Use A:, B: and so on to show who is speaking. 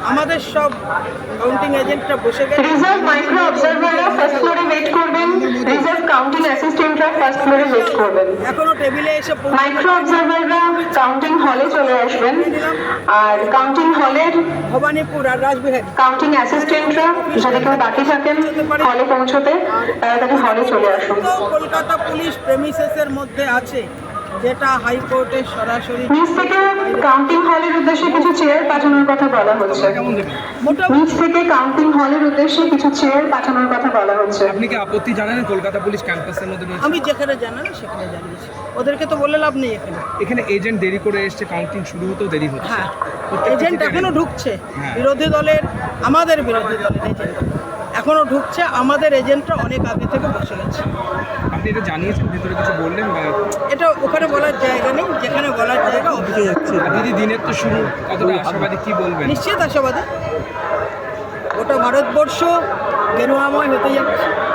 A: আমাদের সব কাউন্টিং এজেন্টরা বসে গেছে।
B: রিজার্ভ মাইক্রো অবজারভাররা ফার্স্ট ফ্লোরে ওয়েট করবেন, রিজার্ভ কাউন্টিং অ্যাসিস্ট্যান্টরা ফার্স্ট ফ্লোরে ওয়েট করবেন।
A: এখনো টেবিলে এসে
B: মাইক্রো অবজারভাররা কাউন্টিং হলে চলে আসবেন, আর কাউন্টিং হলের
A: ভবানীপুর আর রাজবিহারী
B: কাউন্টিং অ্যাসিস্ট্যান্টরা যদি কেউ বাকি থাকেন হলে পৌঁছতে, তাড়াতাড়ি হলে চলে আসুন।
A: তো কলকাতা পুলিশ প্রেমিসেসের মধ্যে আছে, যেটা হাইকোর্টের সরাসরি
B: নিচ থেকে কাউন্টিং হলের উদ্দেশ্যে কিছু চেয়ার পাঠানোর কথা বলা হচ্ছে। নিচ থেকে কাউন্টিং হলের উদ্দেশ্যে কিছু চেয়ার পাঠানোর কথা বলা হচ্ছে।
C: আপনি কি আপত্তি জানালেন কলকাতা পুলিশ ক্যাম্পাসের মধ্যে রয়েছে?
A: আমি যেখানে জানানো সেখানে জানিয়েছি, ওদেরকে তো বলে লাভ নেই।
C: এখানে এজেন্ট দেরি করে এসছে, কাউন্টিং শুরু হতেও দেরি হচ্ছে।
A: হ্যাঁ, এজেন্ট এখনো ঢুকছে।
C: হ্যাঁ।
A: বিরোধী দলের, আমাদের বিরোধী দলের এজেন্ট এখনো ঢুকছে। আমাদের এজেন্টরা অনেক আগে থেকে বসে গেছে।
C: আপনি এটা জানিয়েছেন, ভিতরে কিছু বললেন?
A: এটা ওখানে বলার জায়গা নেই, যেখানে বলার জায়গা অফিসে যাচ্ছে।
C: দিদি, দিনের তো শুরু, কতটা আশাবাদী, কি বলবেন?
A: নিশ্চিত আশাবাদী। গোটা ভারতবর্ষ গেরুয়াময় হতে যাচ্ছে।